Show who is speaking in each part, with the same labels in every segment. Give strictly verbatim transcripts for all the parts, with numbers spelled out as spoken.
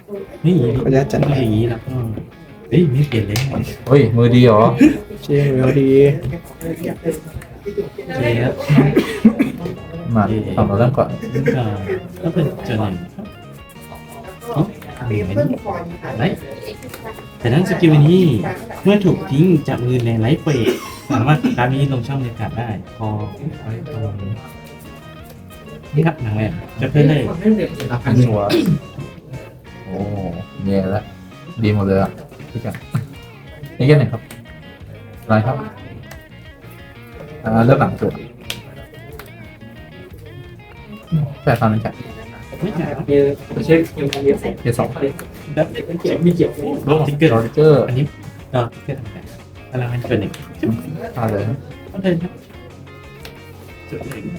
Speaker 1: นี่
Speaker 2: ขออนุญาตจัด
Speaker 1: ต้องอย่างนี้แล้วก็เฮ้ยไม่เปลี่ยนเลย
Speaker 3: เฮ้ยมือดีเหรอ
Speaker 2: เชียร์เวลดี
Speaker 1: โอเคครับ
Speaker 3: มาทำเราเริ่มก่อน
Speaker 1: ก็ก็เป็นเจอหนึ่งครับอ๋อเหมือนไรแต่นั่งสกิลนี้เมื่อถูกทิ้งจากมือในไลฟ์เฟสสามารถการนี้ลงช่องในการได้ พอไว้ตรงนี้นี่ครับหนังแรกจะเพิ่มได้
Speaker 3: อันชัวร์โอ้แย่แล้วดีหมดเลยอ่ะพี่กันนี่แค่ไหนครับอะไรครับอ่าเริ่มหลังจุดแปดพันจัด
Speaker 1: ไม่ใช่ครับ
Speaker 4: เช็คคิวเรียบ
Speaker 3: เกียร์สอง
Speaker 1: แล้ว
Speaker 4: เกี่ยวมีเกี่ยว
Speaker 1: ลบทิกเกอร์
Speaker 3: โรเจอร์
Speaker 1: อันนี้ก็ทิกเกอร์ทำไงพลังมันเกินหนึ่ง
Speaker 3: พาเลย
Speaker 1: ก็เดินครับจุดหนึ่ง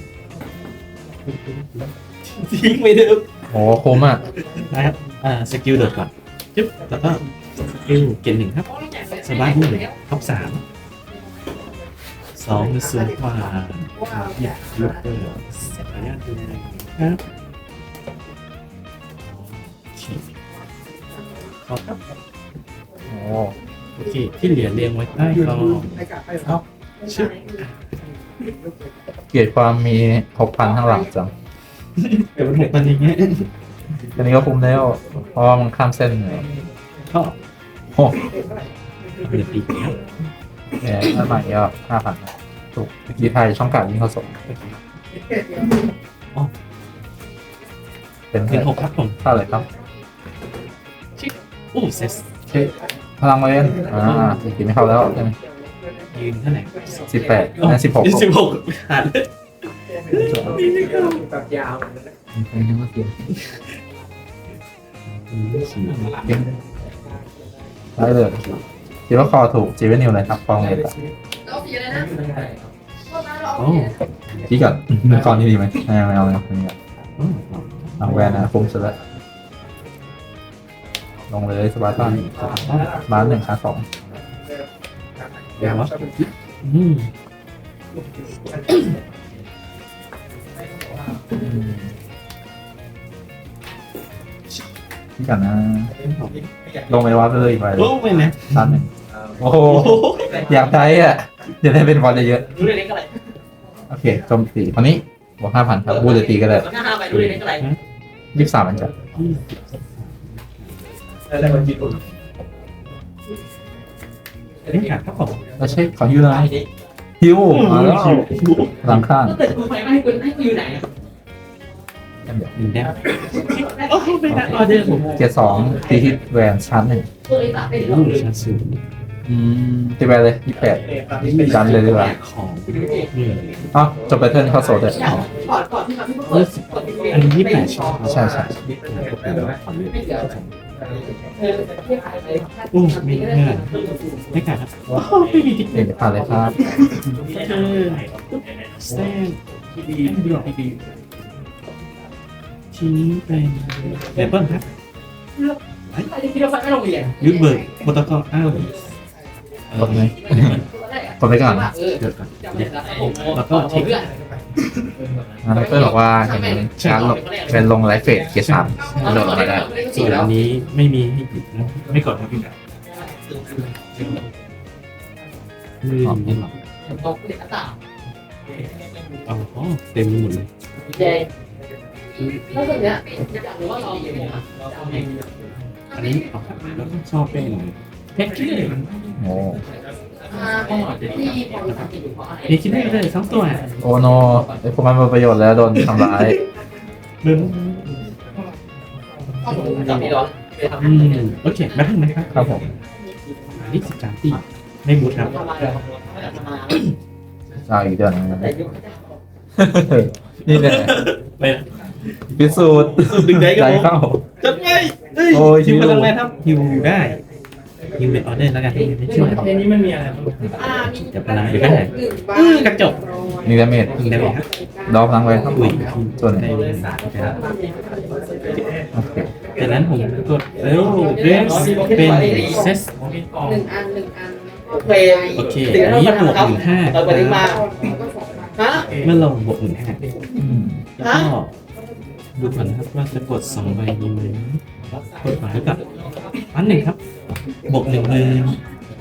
Speaker 1: ทิ้งไปเดิม
Speaker 3: โอ้คุ้มอ่ะ
Speaker 1: นะครับอ่าสกิลโดดก่อนจึ๊บแล้วก็สกิลเกณฑ์หนึ่งครับสบายบุ้งท็อปสามสองมีสูงกว่าหยิบลูกเตอร์ขออนุญาตดูหน่อยครับโอเคขอบครับ
Speaker 3: โอ้
Speaker 1: โอเคที่เหลือเรียงไว้ใต้กล่องชึบ
Speaker 3: เกียรติความมีหกพันข้างหลังจัง
Speaker 1: แต่มันหกพันอย่างเงี้ย
Speaker 3: อันนี้ก็คุ้มแล้วเพราะว่ามันข้ามเส้นเลย
Speaker 1: ก็
Speaker 3: โอ้
Speaker 1: เหลือปีกครับ
Speaker 3: แหมถ้าใหม่ก็ห้าพันถูกเมื่อกี้ไทยช่องการยิงเขาส่งเป็น
Speaker 1: เป็นหกครับผม
Speaker 3: เท่าไหร่ครับ
Speaker 1: โอ้เซส
Speaker 3: เช็คพลังเวนอ่าอีกทีไม่เข้าแล้วใช่ไหม
Speaker 1: ยืนเท่าไหร่
Speaker 3: สิบแปดนั่นสิบหก
Speaker 1: สิบหกขาด
Speaker 4: แบบยาว
Speaker 3: ได้เลยคิดว่าคอถูกจีเวนิวเลยครับฟองเลยครับ
Speaker 1: โอ้
Speaker 3: พี่ก่อนคอนนี้ดีไหมไม่เอาไม่เอาไม่เอาไม่เอาเอาแวนนะคุ้มสุดแล้วลงเลยสบายต้านมาหนึ่งขาสอง
Speaker 1: เดี๋ยววะอืม
Speaker 3: พี่ก่อนนะลงไปวัดเลยอีกไป
Speaker 1: โอ้ไม่นะ
Speaker 3: ตันหนึ่งโอ้โหอยากได้อ่ะจะได้เป็นบอลเยอะ
Speaker 4: ดูเล็กอะไร
Speaker 3: ๆโอเคโจมตีคนนี้บวกห้าพันครับบูเดตีก็ได้
Speaker 4: หน้าห้าไปดูเล็กอะไร
Speaker 3: ยี่สิบสามมันจะ
Speaker 4: อะไรมันจีบ
Speaker 1: เล่นขาดครับผม
Speaker 3: แล้วเช็คขอฮิวเลยฮิวมาแล้วหลังข้าง
Speaker 4: ถ้าเกิดกูไปไม่ให้กูให้กูอยู่ไหน
Speaker 1: หนึ่งแต้มโอ้ไม่ได้ออเดอร์ผม
Speaker 3: เกียร์สองตีฮิตแวนชั้นหนึ่ง
Speaker 4: ตัวเล็กตัดได้หรอ
Speaker 1: ลูกชาซู
Speaker 3: อืมตีแวนเลยยี่สิบแปดจันเลยดีกว่า
Speaker 1: ของ
Speaker 3: อ๋อจบไปเทิร์นเข้าโซดเลย
Speaker 4: ก่อนก่อนที่มันเปิด
Speaker 1: อันนี้ยี่สิบแปดช่อง
Speaker 3: ใช่ใช่
Speaker 1: โอ้มีเงื่อนไม่ขาดครับว้าวไม่มีติ๊กเก
Speaker 3: เด็กผ่านเลยครับ
Speaker 1: เออสแตนดีดีดีทีนี้เป็นเลเปิลครับ
Speaker 4: ไปที่เราไปไม่โรงเรียน
Speaker 1: ยูเบิร์กโปรโตคอลอ้าว
Speaker 3: กดไหมกดไปก่อน
Speaker 4: เออ
Speaker 1: เดี๋ยวก่อนแล้วก็เทค
Speaker 3: นะเพื่อนบอกว่าเห็นชาร์ลงเป็นลงไลฟ์เฟสเกียร์สามโดดมาได้
Speaker 1: ส่วนอันนี้ไม่มีให้หยิบนะไม่กดนะพี่แบบมือนี่หรอ
Speaker 4: ตกเด็กตา
Speaker 1: อ๋อเต็มหมดเลย
Speaker 4: เจแล้วตรงเนี้ยอยากรู้ว่าเราอย่างไร
Speaker 1: อันนี้ออกแล้วก็ชอบเป็นเพชรคิดเลย
Speaker 3: โอ้
Speaker 4: ที่พอมีความคิดอยู่เพราะอะไร
Speaker 1: เพชรคิดได้เลยทั้งตัว
Speaker 3: โอโนไอ้พวกมันเป็นประโยชน์แล้วโดนทำร้าย
Speaker 1: เดิน
Speaker 4: จับพี่ร้อน
Speaker 1: อืมโอเคมาถึงไหมครับ
Speaker 3: ครับผม
Speaker 1: อันนี้สิบสามตีไม่บูทครับ
Speaker 3: เอาอีกเดือนนึงนี่แหละ
Speaker 1: ไป
Speaker 3: พิสูจน์
Speaker 1: ดึงได้ก็
Speaker 3: ใจเข้า
Speaker 1: จัดไป
Speaker 3: โอ้ย
Speaker 1: ฮิว
Speaker 3: ฮิว
Speaker 1: พลังแรงครับฮิวได้ฮิวเป็นออเดอร์แล้วกันไม่ช่วย
Speaker 4: เพลงนี้มันมีอะไร
Speaker 1: เดี๋ยวพลังเดี๋ยวก็หายกระจก
Speaker 3: นี่ดาเมจ
Speaker 1: ยิงได้ไหมครับ
Speaker 3: ดอกพลังไว้ครับ
Speaker 1: อุ้ย
Speaker 3: ส่วนไหน
Speaker 1: ในเวลาครับ
Speaker 3: โอเค
Speaker 1: จากนั้นผมกดเร็วเรสเป็นเซส
Speaker 5: หนึ่งอันหนึ่งอัน
Speaker 4: โอเค
Speaker 1: โอเคอันนี้บวกหมื่นห้า
Speaker 4: เปิดมาฮะ
Speaker 1: เมื่อลงบวกหมื่นห้า
Speaker 3: อืม
Speaker 1: แล้วก็ดูก่อนนะครับว่าจะกดสองใบดีไหมกดก่อนแล้วกับอันหนึ่งครับบวกหนึ่งหมื่น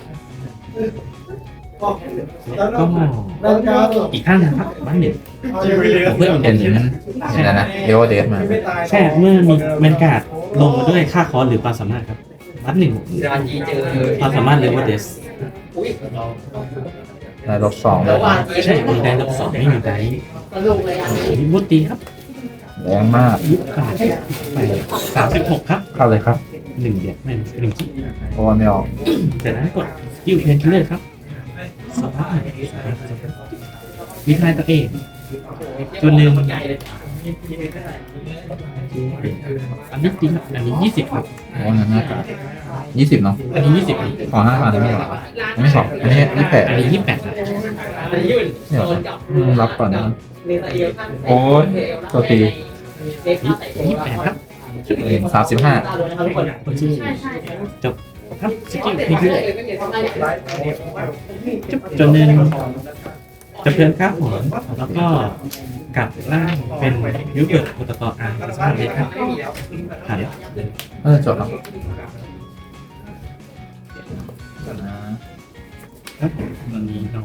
Speaker 1: ก็อีกข้างนะครับบ้านหนึ่งเพื่อ
Speaker 3: เห็นเห็นนะนะเอวเดสมา
Speaker 1: แค่เมื่อมีแมนการ์ดลงมาด้วยค่าคอร์สหรือความสามารถครับบ้านหนึ่งความสามารถเลเวลเดส
Speaker 3: ได้ลบสองเลย
Speaker 1: ใช่มีได้ลบสองไม่มีได้
Speaker 5: สนุกเลยอ่ะ
Speaker 1: มีบุตรีครับ
Speaker 3: แรงมาก
Speaker 1: ยุบขาดไปสามสิบหกครับ
Speaker 3: เข้าเลยครับ
Speaker 1: หนึ่งเดียดไม่หนึ่งที่
Speaker 3: เพราะว่าไม่ออก
Speaker 1: จากนั้นกดยิวเพนคิลเลอร์ครับสองพันวิทายตัวเองจุดหนึ่งอันนี้จริงครับอันนี้ยี่สิบครับ
Speaker 3: เพราะว่านั้นน่ากายี่สิบเนาะ
Speaker 1: อันนี้ยี่สิบ
Speaker 3: ขอห้าพันได้ไหมหรอไม่ขออันนี้ยี่แปด
Speaker 1: อันนี้ยี่สิบแปดครับ
Speaker 3: เดี๋ยวอืมรับก่อนนะโอ้ยตัวตี
Speaker 1: ยี่สิบแปดครับ
Speaker 3: สามสิบห้า
Speaker 1: โอเค
Speaker 5: ใช่ใช่
Speaker 1: จบครับสกิลเพนคิลเลอร์จบจนหนึ่งจะเพลินข้าวหอมแล้วก็กลับร่างเป็นยูเกิร์ตโปรโตคอลอาร์สามเลยครับผ่านแล้ว
Speaker 3: เออจบแล้ว
Speaker 1: ครับมันมีเนาะ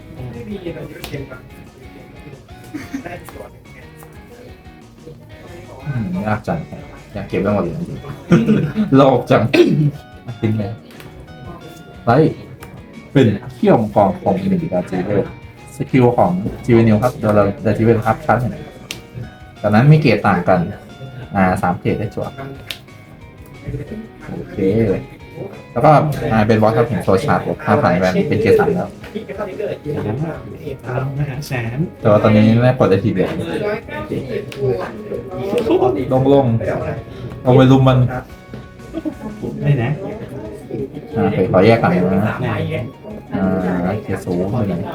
Speaker 3: อืมยากจังอยากเก็บไว้หมดเลยจริงๆโลภจังทิ้งเลยไรเป็นเขี้ยวมังกรของหนึ่งดาจิเวลสกิลของจีเวนิวครับเดี๋ยวเราดาจิเวลครับชั้นหนึ่งจากนั้นมีเกรดต่างกันอ่าสามเกรดได้จวบโอเคแล้วก็อ่าเป็นบอสครับเห็นโซชาร์ดบวกห้าพันแวนเป็นเกรดสามแล้ว
Speaker 1: เอามหาแสน
Speaker 3: แต่ว่าตอนนี้แม่กดได้ทีเดียว
Speaker 5: ร้อยเก้าสิบตัว
Speaker 3: ลงลงเอาไปลุมมัน
Speaker 1: ได้นะ
Speaker 3: อ่าไปขอแยกกันนะ
Speaker 1: ไหน
Speaker 3: อ่าเกรดศูนย์หนึ่ง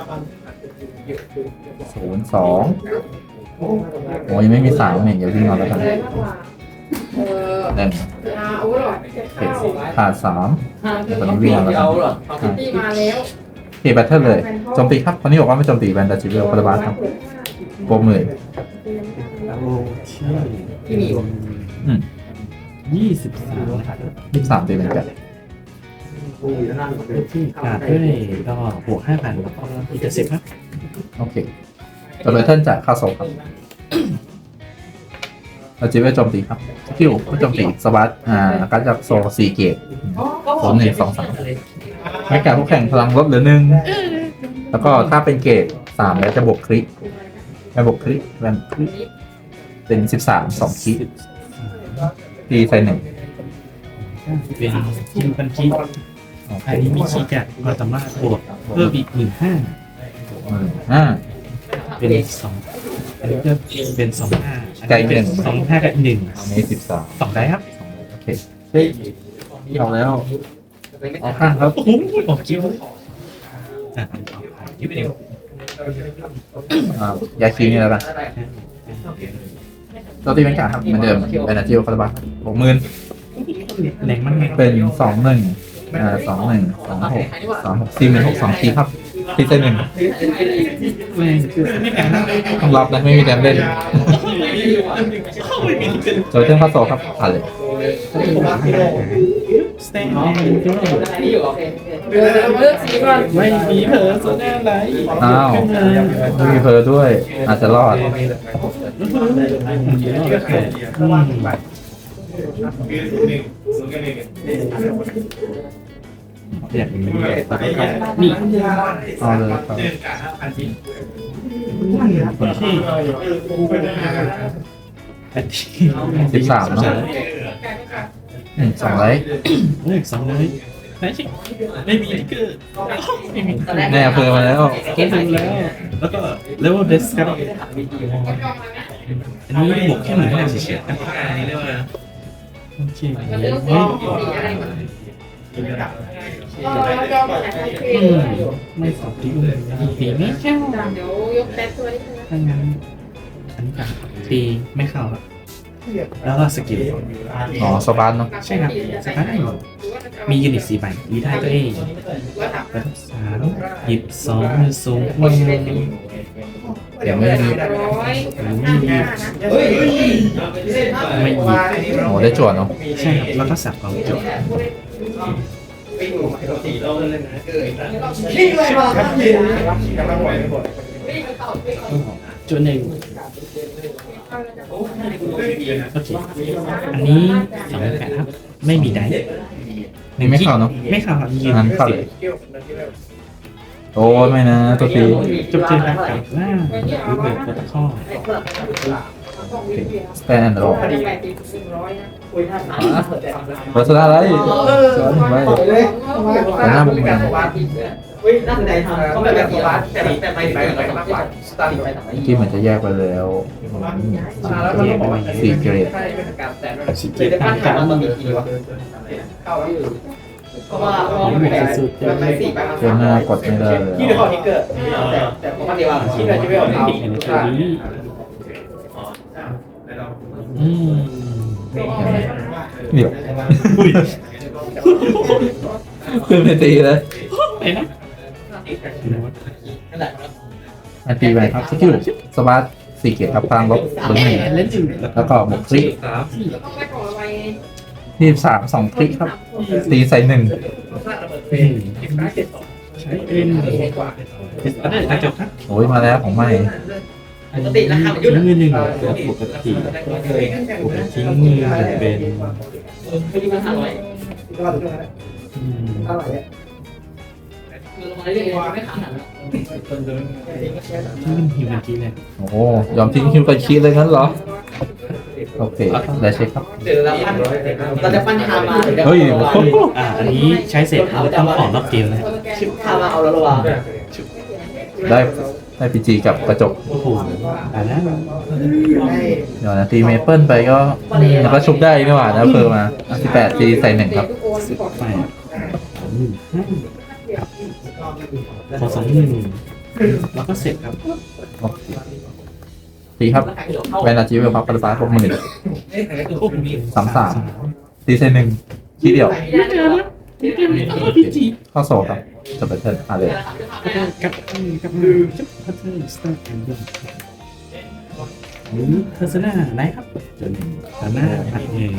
Speaker 3: ศูนย์สองโอ้ยไม่มีสามเนี่ยเดี๋ยววิ่งเอาแล้วกัน
Speaker 5: อะไรมากกว่าเออ
Speaker 3: เล่น
Speaker 5: อาอาวุธหรอ
Speaker 3: เกรดขาดสามตอนนี้วิ่งเอาแล้วกัน
Speaker 5: ที่มาแล้ว
Speaker 3: โอเคแบทเทิลเลยโจมตีครับคนนี้บอกว่าไม่โจมตีแวนดาจิเวลคาราบาสครับโบวกหมื่น
Speaker 1: โอเคที่มี
Speaker 3: อืม
Speaker 1: ยี่สิบสามนะครับ
Speaker 3: ยี่สิบสามตีเป็นแปด
Speaker 1: ที่ขาดด้วยก็บวกห้าพันแล้วก็อีกเจ็ดสิบครับ
Speaker 3: โอเคตัวแบทเทิลจากค่าโซครับดาจิเวลโจมตีครับสกิลก็โจมตีสวัสดอ่าการจากโซสี่เกตโซนหนึ่งสองสามให้แก่ผู้แข่งพลังลดเหลือหนึ่งแล้วก็ถ้าเป็นเกตสามแล้วจะบวกคริไม่บวกคริแวนคริเป็นสิบสามสองคริตีใส่หนึ่ง
Speaker 1: เป็นคิมพันคิ
Speaker 3: โอเค
Speaker 1: อันนี้มีชีจัดก็สามารถบวกเพิ่มอีกหมื่นห้า
Speaker 3: หมื่นห้า
Speaker 1: เป็นสองอันนี้ก็เป็นสองห้า
Speaker 3: ไกลหนึ่ง
Speaker 1: สองห้ากับหนึ่ง
Speaker 3: อันนี้สิบสาม
Speaker 1: สองได้ครับ
Speaker 3: โอเคเฮ้ยเอาแล้วเอาข้างครับ
Speaker 1: โอ้โหออกคิวอ่ะคิวเดียว
Speaker 3: อ่ายาคิวนี่แล้วกันตัวตีเป็นการครับเหมือนเดิมเป็นอาชีพคาราบาหกหมื่น
Speaker 1: แรงมากไง
Speaker 3: เป็นสองหนึ่งอ่าสองหนึ่งสองหกสองหกสี่หมื่นหกสองทีครับทีเซนหนึ่ง
Speaker 1: แรงคือไม่แข็งนะ
Speaker 3: ต้องรับนะไม่มีแดมเล่นโจยเท่งข้าโซครับผ่านเลย
Speaker 1: สเตน
Speaker 5: เดี๋ยวเราเลือกสีก่อน
Speaker 1: ไม่มีเผลอโซน่าไร
Speaker 3: อ้าวไม่มีเพอร์ด้วย อาจจะรอด
Speaker 1: อยากมีนี่
Speaker 3: เอาเลยครับ
Speaker 1: คนที่อันที่
Speaker 3: สิบสามเนาะอืมสองไลท์
Speaker 1: โอ้ยสองเลยไม่ใช่ไม่มีติ๊กเกอร์ไม่มี
Speaker 3: แน่เพอร์มาแล้ว
Speaker 1: เก็บแล้ว แล้วก็เลเวลเดสครับอันนี้บวกแค่หนึ่งห้าเฉยๆครับอันนี้เรียกว่าโอเค
Speaker 5: เราเลือกสีสีอะไรก่อนเราจองแบบไหน
Speaker 1: อืมไม่สอบตีเลยตีไม่เข้า
Speaker 5: เดี๋ยวยกแป๊บตัวนี้
Speaker 1: ถ้างั้นอันนี้กันตีไม่เข้าครับแล้วก็สกิล
Speaker 3: อ๋อสปาร์ตเนาะ
Speaker 1: ใช่ครับสปาร์ตมียูนิตสี่ใบรีไทายตัวเองไปทับสามหยิบสองมือสูงมือ
Speaker 3: เดี๋ยวไม่รีบ
Speaker 4: ร้อย
Speaker 1: หรือไม่หยิบไม่หยิบ
Speaker 3: โอ้ได้จวดเนาะ
Speaker 1: ใช่ครับแล้วก็สับกองจบ
Speaker 5: นี่เลยมาครับพี่
Speaker 1: จุดหนึ่งโอเคอันนี้สองแปดครับไม่มีไดฟ์
Speaker 3: นี่ไม่เข้าเนาะ
Speaker 1: ไม่เข้าครับยืน
Speaker 3: งั้นเข้าเลย โอ้ไม่นะตัวตี
Speaker 1: จบเจอกันกับหน้าหรือเบิร์ดโปรโตคอล
Speaker 3: สแตนด์รอ
Speaker 4: แปดสิบสี่ร้อยนะคุยท่าน
Speaker 3: เบอร์สตาร์ไรสอนไว้ แต่หน้าบุกเมือง
Speaker 5: เฮ้ยน่าสนใจทำเขาแบบแบบบาสแต่แต่ไม่ไปกับมากกว่าสตาร์ทไปทำไม
Speaker 3: ที่เหมือนจะแยกไปแล้ว
Speaker 1: แยกไปไหน
Speaker 3: สี่เกรด
Speaker 1: สิเกตตามกันมัน
Speaker 5: เข้าอยู่เพราะว่าแบบไปสี่ไป
Speaker 3: เจ้าหน้ากดไม่ได้เลย
Speaker 5: ที่เดือดของทิกเกอร์แต่แต่ปกติว่าที่เดือดจะไม่ออก
Speaker 1: ใน
Speaker 5: เอา
Speaker 1: ตัวนี้อืม
Speaker 3: เดี๋ยวขึ้นไปตีเลย
Speaker 1: ไปนะ
Speaker 5: นั่นแหละ
Speaker 3: อันตีไปครับสกิลสปาร์ตสี่เกรดครับพลังลบเบอร์หนึ่ง
Speaker 1: เล่นอยู่
Speaker 3: แล้วก็บวกคลิก
Speaker 4: ต้องไปของอะไร
Speaker 3: ยี่สิบสามสองคลิกครับ ตีใส่หนึ่ง
Speaker 1: อืมใช้เป็นอันนี้อาจจะครับ
Speaker 3: โอ้ยมาแล้วของใหม่
Speaker 5: ปกติราคามันยุ่
Speaker 1: ทิ้
Speaker 5: ง
Speaker 1: งมือหนึ่งแล้วปกติปกติทิ้งมือจะเป็น
Speaker 5: ไม่ดีมันห้าร้อย
Speaker 1: อืม
Speaker 5: คือลงมาเรื่อยๆไม่ขาดหรอก
Speaker 1: ที่มันฮิวเมื่อกี้เนี่ย
Speaker 3: โอ้ยอมทิ้งคิวกันคีเลยงั้นเหรอ โอเคได้เช็คครับ
Speaker 5: เจอแล้วเราจะปั้นคามา
Speaker 3: เฮ้ย
Speaker 1: อ่าอันนี้ใช้เสร็จต้องออกนอกเกมนะ
Speaker 5: ชิปคามาเอาแล้วหรอวะ
Speaker 3: ได้ได้พีจีกับกระจก
Speaker 1: โอ้โหอ่านะ
Speaker 3: เดี๋ยวนะตีเมเปิลไปก็มันก็ชุบได้นี่หว่านะเพิ่มมาสิบแปดตีใส่หนึ่งครับ
Speaker 1: สิบแปดสองหมื่นห้าครับขอสองหมื่นแล้วก็เสร็จครับ
Speaker 3: โอเคตีครับแวนอาจิเวลครับปฏิบัติหกหมื่นสามสามตีใส่หนึ่งทีเดียว
Speaker 1: พีจี
Speaker 3: เข้าโซครับจบไปเทิร์นอ่ะเลย
Speaker 1: กับกับมือจุ๊บพัทเทิร์นสตาร์แอนด์ดหรือเพอร์ซนาไหนครับจนเพอร์ซนาพัดเอง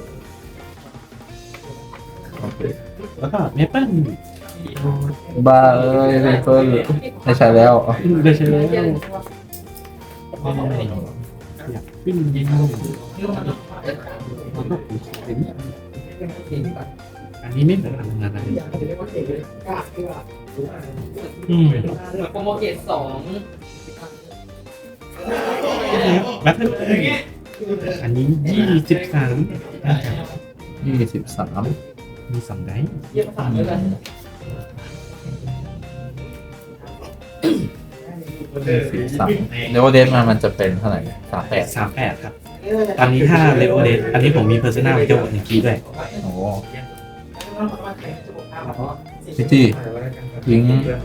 Speaker 1: แล้วก็เมเปิล
Speaker 3: บ้าเอ้ยเมเปิลได้ใช้แล้ว
Speaker 1: ได้ใช้แล้วอยากขึ้นยิงอันนี้ไม่เหมือนทำงานอะไรอืม
Speaker 5: โปรโมเกตสอง
Speaker 1: แบทเทิลอันนี้ยี่สิบสาม
Speaker 3: ยี่สิบสาม
Speaker 1: มีสองได้
Speaker 5: เยี่ยมสามเลยกัน
Speaker 3: สิบสามเลเวลเดนมามันจะเป็นเท่าไหร่สามแปด
Speaker 1: สามแปดครับอันนี้ถ้าเลเวลเดนอันนี้ผมมีเพอร์ซนาวิดีโอหนึ่งกีด้วย
Speaker 3: โอ้พี่จี้ทิ้ง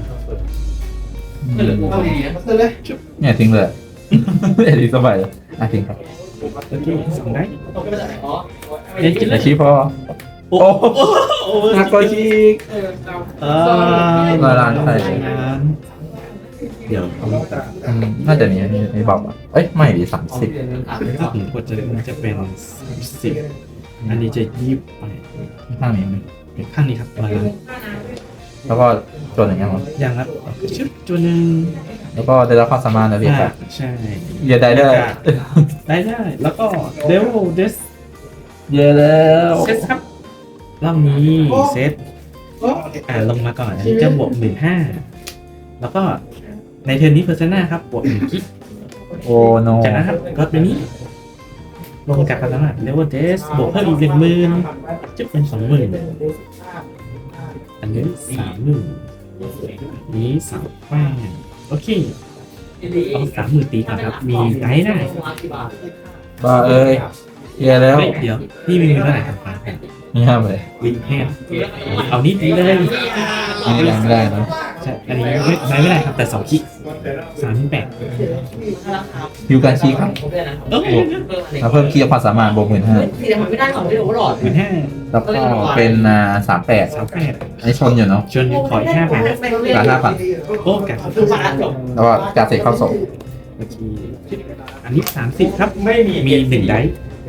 Speaker 3: อืมเนี่ยทิ้งเลยเอ็ดดี้สบายเลยอ่ะทิ้งครับ
Speaker 1: โอเคสองได้
Speaker 5: อ๋อ
Speaker 1: เล่นกี่
Speaker 3: ไอชีพอ
Speaker 1: โอ้โห
Speaker 3: นักกอชีก
Speaker 1: เออ
Speaker 3: ร้อยล้านใช่
Speaker 1: เดี๋ยว
Speaker 3: อืมน่าจะมีมีมีบอกอ่ะเอ้ยไม่ดีสามสิบ
Speaker 1: ถ้าผมกดจะมันจะเป็นสิบอันนี้จะยี่สิบแปด
Speaker 3: ข้างนี้มี
Speaker 1: ข้างนี้ครับร้อยล้าน
Speaker 3: แล้วก็จนอย่างเงี้ยมั้ง
Speaker 1: อย่างครับชุดตัวหนึ่ง
Speaker 3: แล้วก็ได้รับความสามารถนะพี่ครับ
Speaker 1: ใช่
Speaker 3: เยอะได้ด้วย
Speaker 1: ได้ได้ แล้วก็เดวเดส
Speaker 3: เยอะแล้ว
Speaker 1: เซตครับรอบนี้เซตอ่าลงมาก่อนอันนี้จะบวกหมื่นห้าแล้วก็ในเทอร์นนี้เพอร์ซนาครับบวกหนึ่งคิก
Speaker 3: โอ้โน
Speaker 1: จากนั้นครับก็ตัวนี้ ลงกับความสามารถเดวเดสบวกเพิ่มอีกหนึ่งหมื่นจะเป็นสองหมื่นอันนี้สามหมื่นนี้สามแป้งโอเคเอาสามหมื่นตีก่อนครับ มีไดได้
Speaker 3: บ้าเอ้ยเยอะแล้ว
Speaker 1: เฮ้ยเดี๋ยวนี่มีเงินเท่าไหร่ครับ
Speaker 3: นี่ห้ามเลย
Speaker 1: วินแฮนเอานิดนี้เลย
Speaker 3: นี่ยังได้นะ
Speaker 1: ใช่อันนี้ไม่ไม่ไม่ได้ครับแต่สองคิกสามแปด
Speaker 3: ฮิวการชี้ครับ
Speaker 1: เออ
Speaker 3: แล้วเพิ่มคีย์ความสามารถบวกหมื่นห้า
Speaker 4: ที่เดี๋ยวมันไม่ได้ของไม่รู้ว่าหลอด
Speaker 1: หมื่นห้า
Speaker 3: แล้วก็เป็นอ่าสามแปด
Speaker 1: สามแปด
Speaker 3: อันนี้ชนอยู่เนาะ
Speaker 1: ชวนขออีกห้าพัน
Speaker 3: การห้าพัน
Speaker 1: โอ้กัด
Speaker 4: คือมาจบ
Speaker 3: แล้วก็การเสกเข้าส่ง
Speaker 1: โอเคอันนี้สามสิบครับ
Speaker 5: ไม่มี
Speaker 1: มีหนึ่งไดส์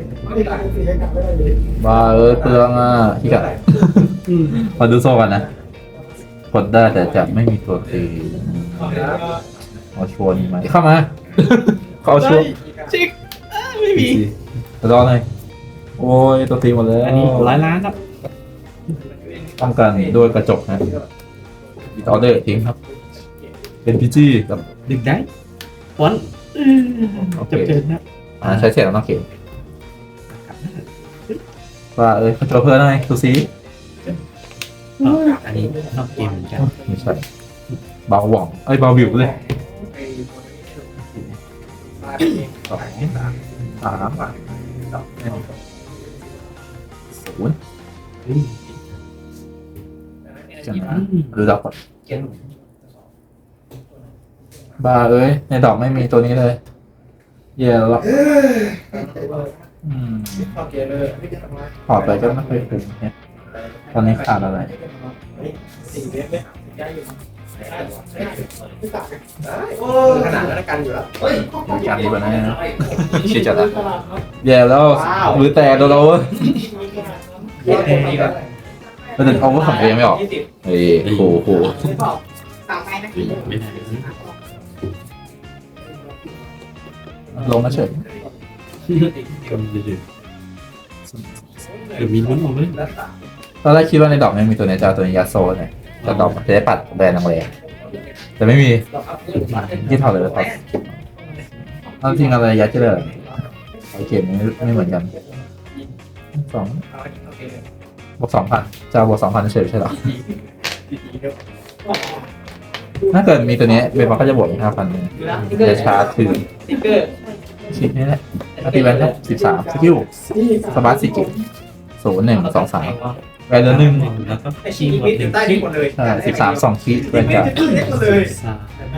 Speaker 3: บ้าเอ้ยเปลืองอ่ะที่กะ มาดูโซ่กันนะกดได้แต่จะไม่มีตัวตีเอาชัวร์นี่ไหมเข้ามาเขาเอาชัวร์
Speaker 1: ชิกไม่มี
Speaker 3: รอหน่อยโอ้ยตัวตีหมดเลย
Speaker 1: อันนี้ร้อยล้านครับ
Speaker 3: ป้องกันด้วยกระจกนะอีออเดอร์ทิ้งครับ เป็นพีจีกับ
Speaker 1: หนึ่งไดส์วันจบเกินนะ
Speaker 3: อ่าใช้เสร็จแล้วต้องเขียนว่าเอ้ยเขาตัวเพื่อนหน่อยดูซิ
Speaker 1: อ๋ออันนี้นอกเกมเหมือนกัน
Speaker 3: ไม่ใช่เบาหว่องเอ้ยเบาบิวเลยสองสามศูนย์
Speaker 1: อืม
Speaker 3: จังนะดูดอกก่อนบ้าเอ้ยในดอกไม่มีตัวนี้เลยเย่แล้วอืมถอดไปก็ไม่เคยเป็นเนี่ยตอนนี้ขาดอะไร
Speaker 5: ขนาดนั้นกันอยู่แล้ว
Speaker 3: การดีกว่านั้นนะชิจัดละแย่แล้วมือแตกโดนเราเว้ยแล้วถึงเอาว่าของเองไม่ออกเฮ้ยโหโห
Speaker 4: ต่อไปนะ
Speaker 1: ไม่ได้
Speaker 3: ลงมาเฉย
Speaker 1: ก็มีเดือดเดี๋ยวมีลุ้นออกเลย
Speaker 3: ตอนแรกคิดว่าในดอกไม่มีตัวนี้จะเอาตัวนี้ยัดโซ่เนี่ยแต่ดอกจะได้ปัดแบรนด์แรงๆแต่ไม่มีที่ถอดเลยถอดเอาจริงอะไรยัดจะเลยโอเคไม่ไม่เหมือนกันสองบวกสองพันจะบวกสองพันเฉยใช่หรอถ้าเกิดมีตัวนี้เบนบอกก็จะบวกอีกห้าพันจะชาร์จถือ
Speaker 5: ติ๊กเกอร์
Speaker 3: ชิ้นนี้แหละตีแวนครับสิบสามสกิลสมาร์ทสี่กิศูนย์หนึ่งสองสามแวนเดือนหนึ่ง
Speaker 1: แล้วก็
Speaker 5: ไอชีวิตอยู่ใต้ดินหมดเลย
Speaker 3: ใช่สิบสามสองคีแวนการ์ด
Speaker 5: หมดเลย
Speaker 1: สาม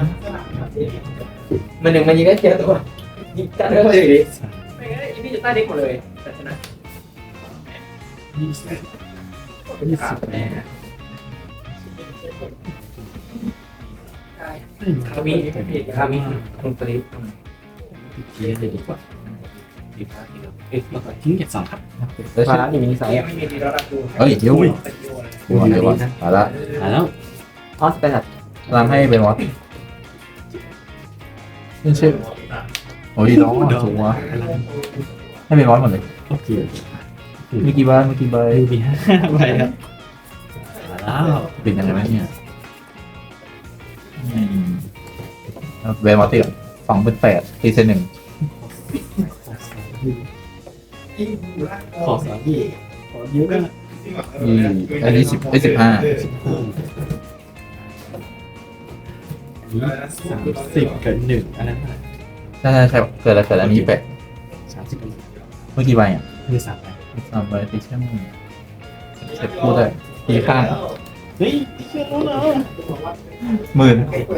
Speaker 5: มันหนึ่งมันยิงได้เทียตัวยิงจัดเลยดิ
Speaker 1: สาม
Speaker 5: ไม่งั้นอีพี่อยู่ใต้ดินหมดเลยแต่ชนะ
Speaker 1: ยี่สิบยี่สิบแปด
Speaker 5: คาวิคาวิคุณสลิป
Speaker 1: ทีเลยดีกว่าทิ้งเก็บสองครับ
Speaker 3: แล้วชิ้น
Speaker 5: นี่มีนิสัยไม่มีดีแล้วรับดู
Speaker 3: เฮ้ยเดี๋ยวดูก่อนเดี๋ยวก่อนมาละ
Speaker 1: มาแล้ว
Speaker 5: ออสเป็นแบบ
Speaker 3: ตามให้เป็นวอตนี่ชื่อโอ้ยน้องสูงวะให้เป็นวอตหมดเลย
Speaker 1: โอเค
Speaker 3: มีกี่ใบมีกี่ใบ
Speaker 1: มีห้าใบครับมาแล้ว
Speaker 3: ปิดยังไงไหมเนี่ยอืมเวนวอตติสองเป็นแปดตีเซนหนึ่ง
Speaker 1: ขอสามพี่ขอเยอะก็
Speaker 3: อืมอันนี้สิบไอ้สิบห้า
Speaker 1: สามสิบกับหนึ่งอันนั้น
Speaker 3: ใช่ใช่ใช่เกิดอะไรเกิดอันนี้แปด
Speaker 1: สามสิบกับ
Speaker 3: เมื่อกี่ใบอ่ะ
Speaker 1: คือสามใบ
Speaker 3: สามใบตีแค่มือเสร็จพูดได้ตีข้าง
Speaker 1: เฮ้ยเชื่อแล้วเหรอ
Speaker 3: หมื่น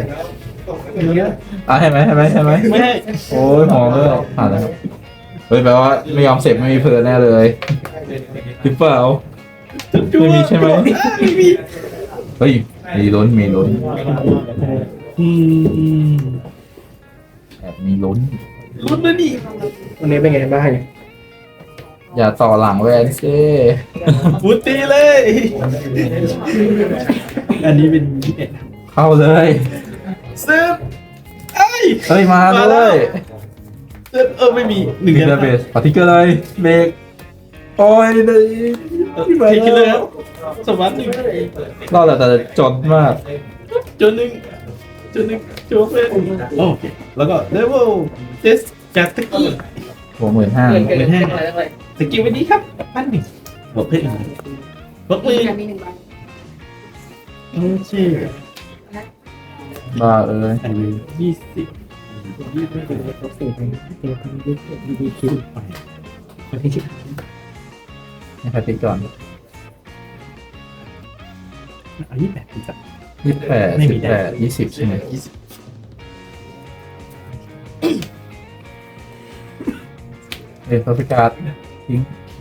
Speaker 3: อ่ะให้ไหมให้ไหมให้ไหม
Speaker 1: ไม่ให้
Speaker 3: โอ้ยหอมเลยผ่านแล้วครับเฮ้ยแปลว่าไม่ยอมเสร็จไม่มีเพลินแน่เลยหรือเปล่าไม่มีใช่ไหม
Speaker 1: ไม่มี
Speaker 3: เฮ้ยมีลุ้นมีลุ้น
Speaker 1: อืม
Speaker 3: แอบมีลุ้น
Speaker 1: ลุ้นนะนี่
Speaker 5: วันนี้เป็นไงบ้าง
Speaker 3: อย่าต่อหลังแวนซิ
Speaker 1: ฟูตีเลย อันนี้เป็นยี่สิบเอ็ด
Speaker 3: เข้าเลย
Speaker 1: ซึบเอ้ย
Speaker 3: เฮ้ยมาเลย
Speaker 1: ซึบเออไม่มีหนึ่ง
Speaker 3: มีเด
Speaker 1: เดือน
Speaker 3: เบสปาทิกเกอร์เลยเบรกโอ้ยเลย
Speaker 1: ไปคิดเลยครับสวัสดี
Speaker 3: รอดแต่แต่จนมาก
Speaker 1: จนหนึ่งจนหนึ่งโจเฟนโอเคแล้วก็เลเวลเจสจากตะกี้
Speaker 3: หัวหมื่นห้า
Speaker 5: เกินเกินอะไรอะไร
Speaker 1: ตะกี้วันนี้ครับปั้นหนึ่งบวกเพิ่มอีกหนึ่งบวกมือ
Speaker 4: มีหนึ่งใบ
Speaker 1: โอเค
Speaker 3: บ้าเอ้ย
Speaker 1: อันนี้ยี่สิบยี่สิบเอ็ดลบสี่เป็นเจ็ดพันยี่สิบดีดีคิวไปคนที่ชื่อ
Speaker 3: ให้ใครติดก่อน
Speaker 1: อันนี้แบบที่จับ
Speaker 3: ยยี่สิบแปด
Speaker 1: ไม่มี
Speaker 3: สิบแปดยี่สิบใช่ไหม
Speaker 1: ยี่สิบ
Speaker 3: เอ็นพาฟิการ์ดทิ้ง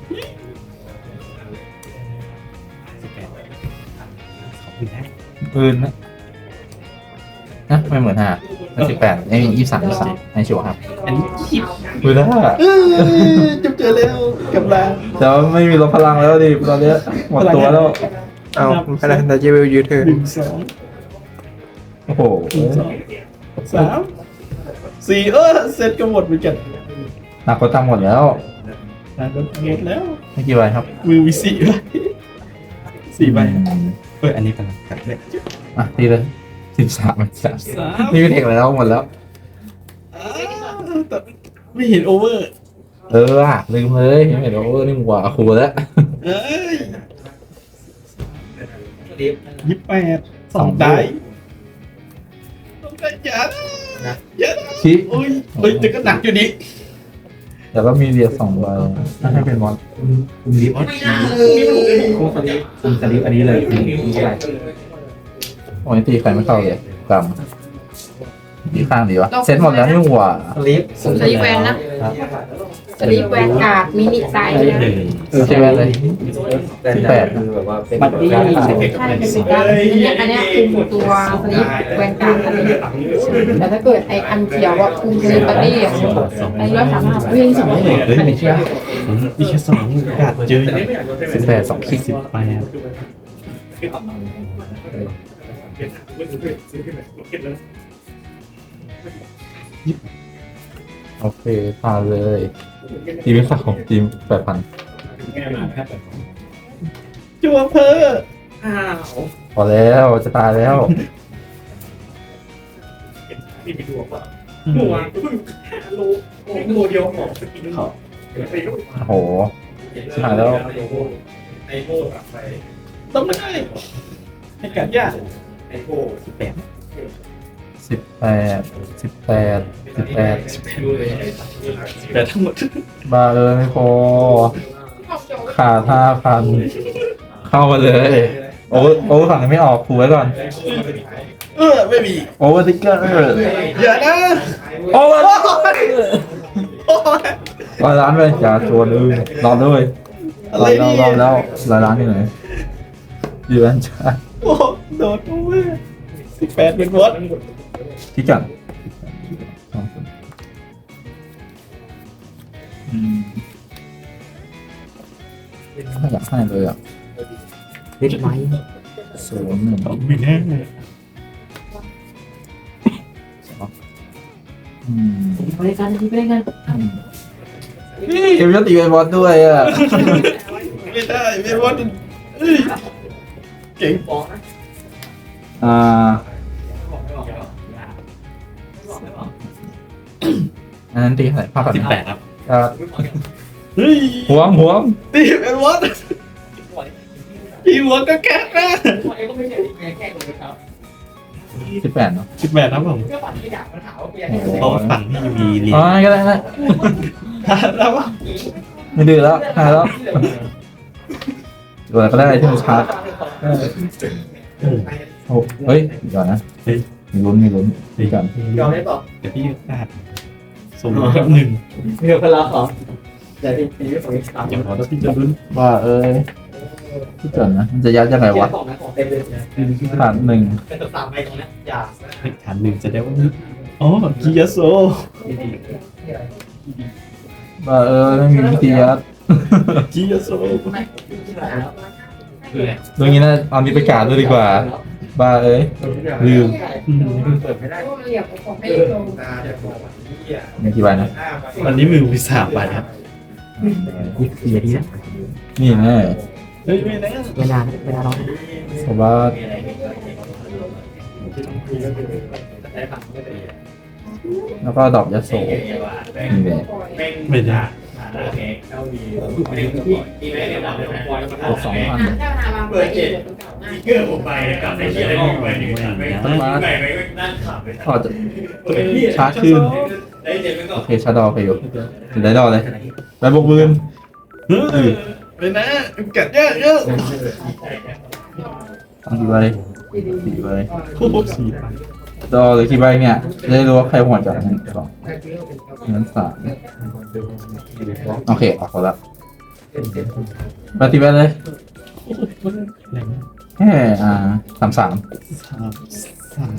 Speaker 1: สิบแปดขอบคุณนะ
Speaker 3: ปืนนะนะไม่เหมือนห้าสิบแปดไอ้ยี่สิบสามยี่สิบสามไอ้ชัวร์ครับ
Speaker 1: อันนี้ยี่สิบ
Speaker 3: ปืนห้า
Speaker 1: จบเจอแล้วกับลา
Speaker 3: แต่ว่าไม่มีลบพลังแล้วดิตอนเนี้ยหมดตัวแล้ว
Speaker 2: เอาขนาดแต่เจเวลยืดเธอ
Speaker 1: หนึ่งสอง
Speaker 3: โอ้โห
Speaker 1: หนึ่งสองสามสี่เออเซตก็หมดเหมือนกัน
Speaker 3: หนักกว่าตังหมดแล้ว
Speaker 1: นะก็หมดแล้ว
Speaker 3: ไม่กี่ใบครับ
Speaker 1: มือมีสี่ใบสี่ใบ
Speaker 3: อืม
Speaker 1: เปิดอันนี้ไปแล้วกัดเลย
Speaker 3: อ่ะทีเลยสิบสามสาม
Speaker 1: สาม
Speaker 3: นี่เป็นเทคแล้วหมดแล้ว
Speaker 1: อ้าวแต่ไม่เห็นโอเวอร์
Speaker 3: เออว่ะลืมเลยเห็นไหมโอ้นี่มึงกว่าครูแล้ว
Speaker 1: เอ้ย
Speaker 5: ดิฟ
Speaker 1: ยี่สิบแปดสองได้สองได้เยอะนะเยอะนะ
Speaker 3: ชิ
Speaker 1: โอ้ยเฮ้ยแต่ก็หนักอยู่นี่
Speaker 3: แต่ก็มีเรียสองใบน่าให้เป็นมอน
Speaker 1: คุณลิฟต์
Speaker 5: ไม่น่าเลยคุ้มสลิป
Speaker 1: คุณสลิปอันนี้เลยคุณคุณอะไร
Speaker 3: โอ้ยตีใครไม่เข้าเลยกรรมดีข้างดีวะเซ็ตหมดแล้วนี่หว่า
Speaker 5: สลิป
Speaker 4: สลีปแวนนะสลีปแวนการ์ดมินิไซส์นะ
Speaker 3: ใช่ไหมเลย
Speaker 5: สิบแปดคือแบบว่าเป็น
Speaker 1: บัตตี้
Speaker 4: ใช่เป็นสีดำอันเนี้ยอันเนี้ยคุมตัวสลีปแวนการ์ดอันนี้แต่ถ้าเกิดไออันเขียวว่าคุมสลีปบัตตี้อ่ะไอร้อยสามห้าวิ่งสองร้อย
Speaker 1: เฮ้ยไม่เชื่อผมมีแค่สองกาดเจอ
Speaker 3: สิบแปดสองคิก
Speaker 1: สิบแปด
Speaker 3: โอเคผ่านเลยทีมไม่ขาดของทีมแปดพัน
Speaker 1: จัวเพอ
Speaker 5: อ้าว
Speaker 3: พอแล้วจะตายแล้ว
Speaker 5: หนูอ่ะเพิ่งรู้ตัวเดียวของสกินเขา
Speaker 3: โอ้โหชิบหายแล้ว
Speaker 5: ไอโม่กับไป
Speaker 1: ต้องไม่ได้ให้กัดยาก
Speaker 5: ไอโม่
Speaker 1: สิบแปด
Speaker 3: สิบแปดสิบแปดสิบแปด
Speaker 5: ดูเลย
Speaker 1: สิบแปดทั้งหมด
Speaker 3: บ้าเลยไม่พอขาดห้าพันเข้ามาเลยโอ้โอ้ฝั่งนี้ไม่ออกถูไว้ก่อน
Speaker 1: เออไม่มี
Speaker 3: โอเวอร์ติ๊กเกอร์
Speaker 1: อย่านะ
Speaker 3: โอเวอร์
Speaker 1: โอ้ย
Speaker 3: ร้อยล้านเลยอย่าชวนเลยรอด้วย
Speaker 1: อะ
Speaker 3: ร
Speaker 1: ไร
Speaker 3: อแล้ว
Speaker 1: นี่
Speaker 3: รอแล้วร้อยล้านอยู่ไหนอยู่อันจ้า
Speaker 1: โอ้โดดโอเวอร์สิบแปดเป็นวอต
Speaker 3: ที่กันอืมไม่อยากให้เลยอ่ะ
Speaker 1: เล็กไว้
Speaker 3: ศูนย์หนึ่ง
Speaker 1: ไม่แน่
Speaker 3: อืม
Speaker 4: ไปกันไปกัน
Speaker 3: นี่เอ็มยตีเป็นบอลด้วยอ่ะ
Speaker 1: ไม่ได้ไม่วอตเอ้ยเก่ง
Speaker 3: อ่าอันนั้นตีเท่าไหร่ภาพแบบ
Speaker 1: สิบแปดครับ
Speaker 3: อ่า
Speaker 1: เฮ้ย
Speaker 3: หัวงหัวง
Speaker 1: ตีเป็นวอตตีหัวก็แก๊กนะ
Speaker 5: ก็ไม่ใช่แค่แค่คนเขา
Speaker 3: สิบแปดเนาะ
Speaker 1: สิบแปดครับผม
Speaker 5: ก็ฝันที่อยากมาถามว่ากูอยาก
Speaker 1: เพราะว่าฝั่งที่ยูวีเรีย
Speaker 3: อ๋อน ก็ได้นะ
Speaker 1: แล้วว่า
Speaker 3: ไม่ดื้อแล้วหายแล้วตัวอะไรก็ได้ที่มันชาร์จโอ้เฮ้ยเดี๋ยวนะมีลุ้นมีลุ้นดีกัน
Speaker 5: ยอมได้บอก
Speaker 1: เดี๋ยวพี่อาดส่งมาครับหนึ่ง
Speaker 5: เดี๋ยวพลังของแต่ที่ที่ไม่ของอีกสาม
Speaker 1: อย่าขอแล้วพี่จะลุ้น
Speaker 3: ว่าเอ้ยที่เกิดนะมันจะยัดยังไงวะ
Speaker 5: ของนะของเต็มเลย
Speaker 3: ผ่านหนึ่ง
Speaker 5: เป็นตัวสามใบตรงนี้อย่า
Speaker 1: ฐานหนึ่งจะได้ว่าอ๋อกิยาโซ
Speaker 3: ว่าเออไม่มีวิธียัด
Speaker 1: กิยาโซ
Speaker 3: ตรงนี้นะเอานี้ไปกาดด้วยดีกว่าบ้าเอ้ยลืม
Speaker 5: เปิดไม่ได้
Speaker 4: เหลี่ยมของไม่ลง
Speaker 3: มีกี่ใบนะ
Speaker 1: วันนี้มือวิสาบาทครับนี่คือดีนะ
Speaker 3: นี่แน่
Speaker 1: เฮ้ยไม่นะ
Speaker 4: เวลาเวลาเรา
Speaker 3: เพราะว่าแล้วก็ดอกยาโสนี่แหละ
Speaker 1: ไม่ได้
Speaker 3: บวกสองพัน
Speaker 5: เปิดเจ็ดเกอร์ผมไปกับไอ้ที่อะไรอยู่ไปนี่มันไม่ไปไปนั่งขับไป
Speaker 3: พอจะชาร์จขึ้น
Speaker 5: ได้เจ็ดไปก่อ
Speaker 3: โอน เคชาร์จดอไปอยู่ถึงได้ดอเลยไปบวกมืน
Speaker 1: เฮ้ยไม่นะกัดเยอะเยอะ
Speaker 3: ตั้งกี่ใบสี่ใบ
Speaker 1: โอ้โหสี่ใบ
Speaker 3: ดอหรือกี่ใบเนี่ยจะได้รู้ว่าใครหัวจัดหนึ่งสองงั้นสามโอเคออกหมดละปฏิบัติเลย
Speaker 1: แรง
Speaker 3: แค่อ่าสามสาม
Speaker 1: สามสาม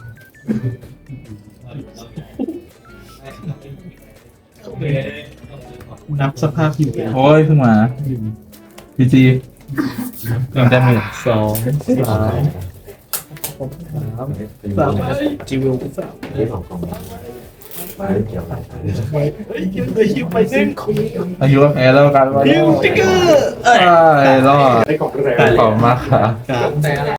Speaker 1: นับสภาพอยู่กัน
Speaker 3: โอ้ยเพิ่งมาพีจีเริ่มได้ไหม
Speaker 1: สองสามสามจิวสามเฮ้ยคิวเลยคิวไปซึ่ง
Speaker 3: อายุแพ้แล้วกันว่า
Speaker 1: คิวติ๊กเกอร์
Speaker 3: ใช่รอด
Speaker 5: ไอ้ของแรง
Speaker 3: ขอบคุณมากครับ
Speaker 1: ครับ